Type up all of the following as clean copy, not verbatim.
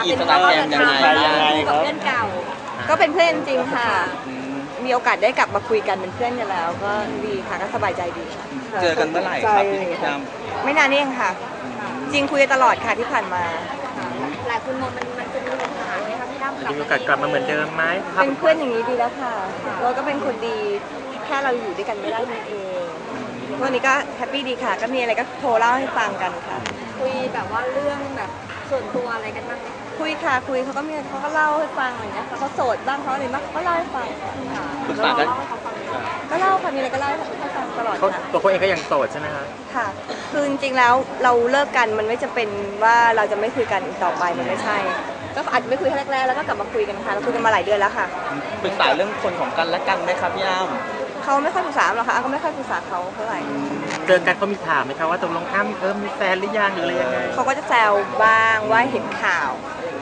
อินสตาแกรมยังไงกับเพื่อนเก่าก็เป็นเพื่อนจริงค่ะมีโอกาสได้กลับมาคุยกันเป็นเพื่อนกันแล้วก็ดีค่ะก็สบายใจดีค่ะเจอกันเมื่อไหร่ครับพี่ยามไม่นานนี่เองค่ะจริงคุยกันตลอดค่ะที่ผ่านมาหลายคนมองมันจะมีปัญหาไหมคะพี่อ้ำมีโอกาสกลับมาเหมือนเดิมไหมเป็นเพื่อนอย่างนี้ดีแล้วค่ะเราก็เป็นคนดีแค่เราอยู่ด้วยกันไม่ได้นั่นเองวันนี้ก็แฮปปี้ดีค่ะก็มีอะไรก็โทรเล่าให้ฟังกันค่ะคุยแบบว่าเรื่องแบบส่วนตัวอะไรกันบ้างไหมคุยค่ะคุยเขาก็เล่าให้ฟังอะไรเงี้ยเขาโสดบ้างเขาอะไรบ้างเขาก็เล่าให้ฟังปรึกษากันก็เล่าค่ะมีอะไรก็เล่าให้ฟังตลอดค่ะตัวเขาเองก็ยังโสดใช่ไหมคะค่ะคือจริงๆแล้วเราเลิกกันมันไม่จำเป็นว่าเราจะไม่คุยกันอีกต่อไปมันไม่ใช่ก็อาจจะไม่คุยแรกๆแล้วก็กลับมาคุยกันค่ะเราคุยกันมาหลายเดือนแล้วค่ะปรึกษาเรื่องคนของกันและกันไหมครับพี่อ้ำเขาไม่ค่อยปรึกษาหรอกค่ะก็ไม่ค่อยปรึกษาเขาเท่าไหร่เจอกันเขามีถามไหมคะว่าตกลงอ้ำมีแฟนหรือยังหรืออะไรยังไงเขาก็จะแซวบ้างว่าเห็นข่าว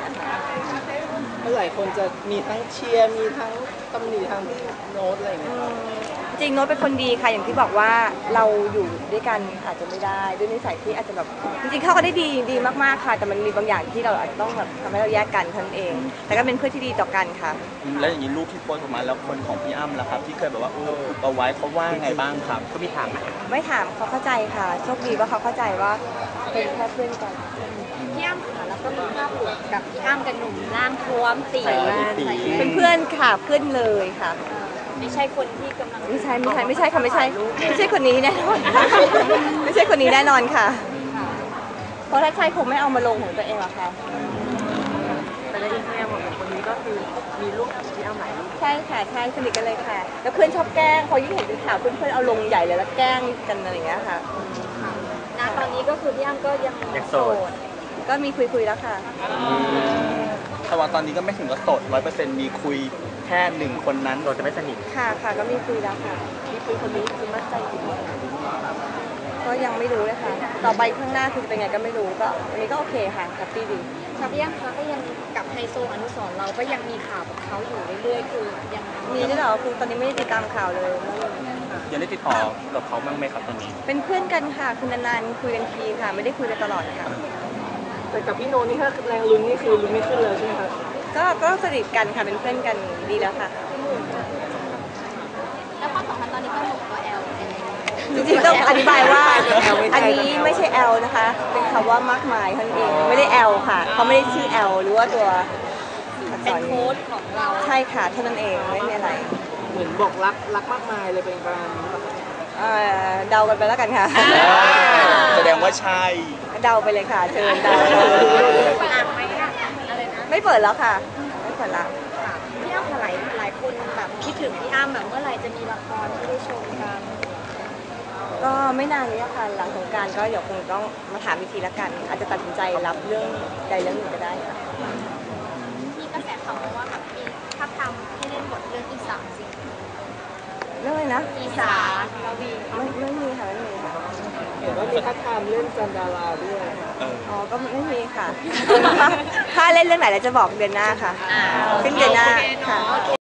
หลายคนจะมีทั้งเชียร์มีทั้งตำหนิทั้งโน้ตอะไรอย่างเงี้ยจริงโน้ตเป็นคนดีค่ะอย่างที่บอกว่าเราอยู่ด้วยกันอาจจะไม่ได้ด้วยนิสัยที่อาจจะแบบจริงๆเขาก็ได้ดีมากๆค่ะแต่มันมีบางอย่างที่เราอาจจะต้องแบบทำให้เราแยกกันเท่านั้นเองแต่ก็เป็นเพื่อนที่ดีต่อกันค่ะแล้วอย่างนี้รูปที่โพสต์ออกมาแล้วคนของพี่อ้ำล่ะครับที่เคยแบบว่าเอาไว้เขาว่าไงบ้างครับเขามีถามไหมไม่ถามเขาเข้าใจค่ะโชคดีว่าเขาเข้าใจว่าเป็นแค่เพื่อนกันพี่อ้ำค่ะแล้วก็มีภาพหลุดกับพี่อ้ำกับหนุ่มร่างท้วมตีเป็นเพื่อนค่ะเพื่อนเลยค่ะไม่ใช่คนที่กำลังไม่ใช่ค่ะไม่ใช่คนนี้แน่นอนไม่ใช่คนนี้แน่นอนค่ะเพราะถ้าใช่คงไม่เอามาลงของตัวเองหรอกค่ะแต่ในอินสตาแกรมของคนนี้ก็คือมีรูปที่เอาไหนใช่ค่ะใช่สนิทกันเลยค่ะแล้วเพื่อนชอบแกล้งพอยิ่งเห็นเป็นข่าวเพื่อนเอาลงใหญ่เลยแล้วแกล้งกันอะไรอย่างเงี้ยค่ะณตอนนี้ก็คือพี่อ้ำก็ยังโสดก็มีคุยแล้วค่ะแต่ว่าตอนนี้ก็ไม่ถึงกับโสด100%มีคุยแค่หนึ่งคนนั้นโดยจะไม่สนิทค่ะก็มีคุยแล้วค่ะมีคุยคนนี้คือมั่นใจอยู่ก็ยังไม่รู้เลยค่ะต่อไปข้างหน้าคือจะเป็นไงก็ไม่รู้ก็วันนี้ก็โอเคค่ะแฮปปี้ดีค่ะพี่อ้ำคะก็ยังกับไฮโซอนุสรณ์เราก็ยังมีข่าวกับเขาอยู่เรื่อยๆคือยังมีด้วยเหรอคือตอนนี้ไม่ได้ติดตามข่าวเลยยังได้ติดต่อกับเขาบ้างไหมครับตอนนี้เป็นเพื่อนกันค่ะคือนานๆคุยกันทีค่ะไม่ได้คุยกันตลอดค่ะแต่กับพี่โนนี่ถ้าแรงลุ้นนี่คือลุ้นไม่ขึ้นเลยใช่ไหมคะก็สนิทกันค่ะเป็นเพื่อนกันดีแล้วค่ะแล้วความสัมพันธ์ตอนนี้ก็หมดตัวแอลจริงๆต้องอธิบายว่าอันนี้ไม่ใช่ L นะคะเป็นคำว่ามากมายเท่านั้นเองไม่ได้ L ค่ะเขาไม่ได้ชื่อ L หรือว่าตัวเป็นโค้ดของเราใช่ค่ะเท่านั้นเองไม่มีอะไรเหมือนบอกรักมากมายเลยเป็นประมาณเดากันไปแล้วกันค่ะแสดงว่าใช่เดาไปเลยค่ะเชิญเดาไม่เปิดแล้วค่ะไม่เปิดแล้วพี่อ้ำหลายคนแบบคิดถึงพี่อ้ำแบบเมื่อไหร่จะมีละครที่ได้ชมกันก็ไม่นานนี้ค่ะหลังสงกรานต์ก็เดี๋ยวคงต้องมาถามวิธีละกันอาจจะตัดสินใจรับเรื่องใดเรื่องหนึ่งก็ได้ค่ะมีกระแสข่าวมาว่าแบบมีถ้าทำให้เล่นบทเรื่องอีสานจริงเรื่องอะไรนะอีสานไม่มีค่ะไม่มีค่ะเห็นว่ามีทักทามเล่นจันดาราด้วยอ๋อก็ไม่มีค่ะถ้าเล่นเรื่องไหนเราจะบอกเดือนหน้าค่ะซึ่งเดือนหน้าค่ะ